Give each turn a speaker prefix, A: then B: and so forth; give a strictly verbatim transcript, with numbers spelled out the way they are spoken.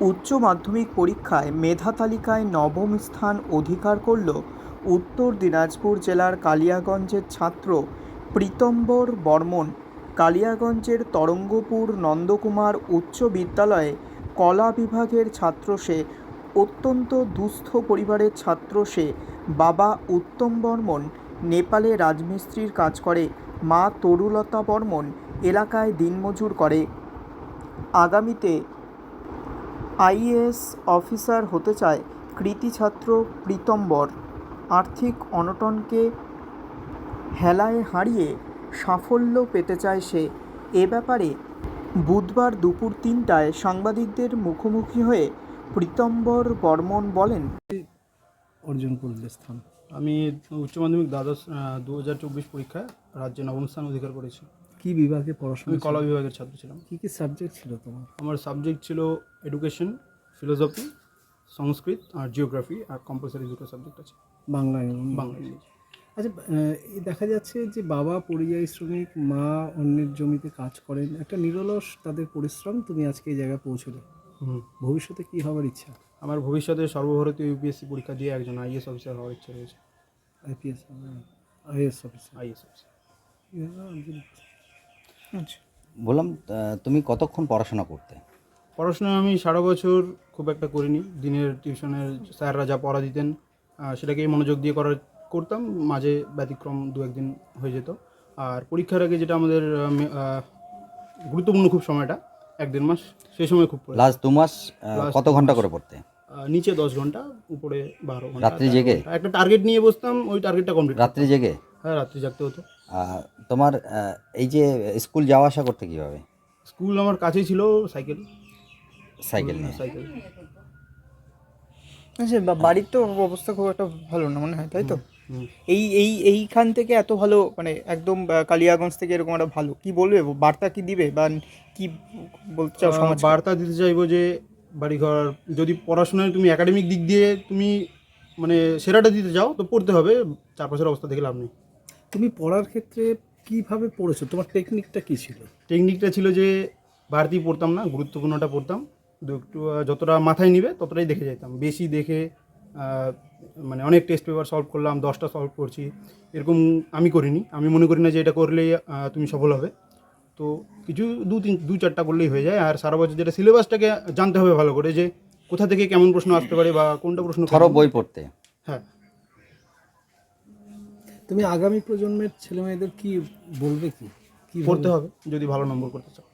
A: উচ্চ মাধ্যমিক পরীক্ষায় মেধা তালিকায় নবম স্থান অধিকার করল উত্তর দিনাজপুর জেলার কালিয়াগঞ্জের ছাত্র প্রীতম্বর বর্মন। কালিয়াগঞ্জের তরঙ্গপুর নন্দকুমার উচ্চ বিদ্যালয়ে কলা বিভাগের ছাত্র সে। অত্যন্ত দুস্থ পরিবারের ছাত্র সে। বাবা উত্তম বর্মন নেপালে রাজমিস্ত্রির কাজ করে, মা তরুলতা বর্মন এলাকায় দিনমজুর করে। আগামীতে আইএএস অফিসার হতে চায় কৃতী ছাত্র প্রীতম্বর। আর্থিক অনটনকে হেলায় হারিয়ে সাফল্য পেতে চায় সে। এ ব্যাপারে বুধবার দুপুর তিনটায় সাংবাদিকদের মুখোমুখি হয়ে প্রীতম্বর বর্মন বলেন,
B: অর্জন করলে স্থান।
C: আমি উচ্চ মাধ্যমিক দ্বাদশ দু হাজার চব্বিশ পরীক্ষায় রাজ্যে নবম স্থান অধিকার করেছি।
B: কি বিভাগে পড়াশোনা?
C: আমি কলা বিভাগের ছাত্র ছিলাম।
B: কী কী সাবজেক্ট ছিল তোমার?
C: আমার সাবজেক্ট ছিল এডুকেশন, ফিলোসফি, সংস্কৃত আর জিওগ্রাফি, আর কম্পালসারি দুটো সাবজেক্ট আছে,
B: বাংলা এবং
C: বাংলা ইংরেজি।
B: আচ্ছা, দেখা যাচ্ছে যে বাবা পরিযায়ী শ্রমিক, মা অন্যের জমিতে কাজ করেন, একটা নিরলস তাদের পরিশ্রম, তুমি আজকে এই জায়গায় পৌঁছলে।
C: হুম
B: ভবিষ্যতে কী হওয়ার ইচ্ছা?
C: আমার ভবিষ্যতে সর্বভারতীয় ইউপিএসসি পরীক্ষা দিয়ে একজন আইএস অফিসার হওয়ার ইচ্ছা রয়েছে।
B: IPS, IAS officer.
C: IAS officer.
A: আচ্ছা,
D: বললাম, আহ, তুমি কতক্ষণ পড়াশোনা করতে?
C: পড়াশোনা আমি সারা বছর খুব একটা করিনি। দিনের টিউশনের স্যাররা যা পড়া দিতেন আহ, সেটাকেই মনোযোগ দিয়ে করার করতাম। মাঝে ব্যতিক্রম দু একদিন হয়ে যেত। আর পরীক্ষার আগে যেটা আমাদের আহ, মে- আহ, গুরুত্বপূর্ণ খুব সময়টা এক দেড় মাস, সেই সময় খুব পড়ে।
D: লাস্ট দু মাস আহ,
C: Last
D: কত
C: দু
D: ঘন্টা
C: মাস।
D: করে পড়তে?
C: আহ, নিচে দশ ঘন্টা, উপরে বারো ঘন্টা।
D: রাত্রি
C: তেরো
D: জেগে?
C: ঘন্টা। একটা টার্গেট নিয়ে বসতাম, ওই টার্গেটটা কমপ্লিট।
D: রাত্রি জেগে?
C: হ্যাঁ, রাত্রি জাগতে হতো।
D: আহ, তোমার আহ, এই যে স্কুল যাওয়া আসা করতে কীভাবে?
C: স্কুল আমার কাছেই ছিল, সাইকেল
D: সাইকেল নিয়ে?
C: সাইকেল
A: আচ্ছা, বা- বাড়ির তো অবস্থা খুব একটা ভালো না মনে হয়, তাই তো?
C: হুম।
A: এই এই এইখান থেকে এত ভালো, মানে একদম আহ, কালিয়াগঞ্জ থেকে এরকম একটা ভালো, কি বলবে, বার্তা কি দিবে বা কি বলতে চাও
C: আহ,
A: সমাজ?
C: বার্তা দিতে চাইবো যে বাড়িঘর, যদি পড়াশোনায় তুমি একাডেমিক দিক দিয়ে তুমি মানে সেরাটা দিতে চাও তো পড়তে হবে, চারপাশের অবস্থা দেখে লাভ নেই।
B: তুমি পড়ার ক্ষেত্রে কিভাবে পড়েছো? তোমার টেকনিকটা কী ছিল?
C: টেকনিকটা ছিল যে বাড়তি পড়তাম না, গুরুত্বপূর্ণটা পড়তাম। দু একটু আহ, যতটা মাথায় নিবে ততটাই দেখে যেতাম। বেশি দেখে আহ, মানে অনেক টেস্ট পেপার সলভ করলাম, দশটা সলভ করছি, এরকম আমি করিনি। আমি মনে করি না যে এটা করলেই আহ, তুমি সফল হবে। তো কিছু দু তিন দু চারটা করলেই হয়ে যায়। আর সারা বছর যেটা সিলেবাসটাকে জানতে হবে ভালো করে, যে কোথা থেকে কেমন প্রশ্ন আসতে পারে বা কোনটা প্রশ্ন
D: ধরো
C: করবে।
D: বই পড়তে।
C: হ্যাঁ,
B: তুমি আগামী প্রজন্মের ছেলেমেয়েদের কি বলবে? কি কি
C: পড়তে হবে যদি ভালো নম্বর করতে চাও।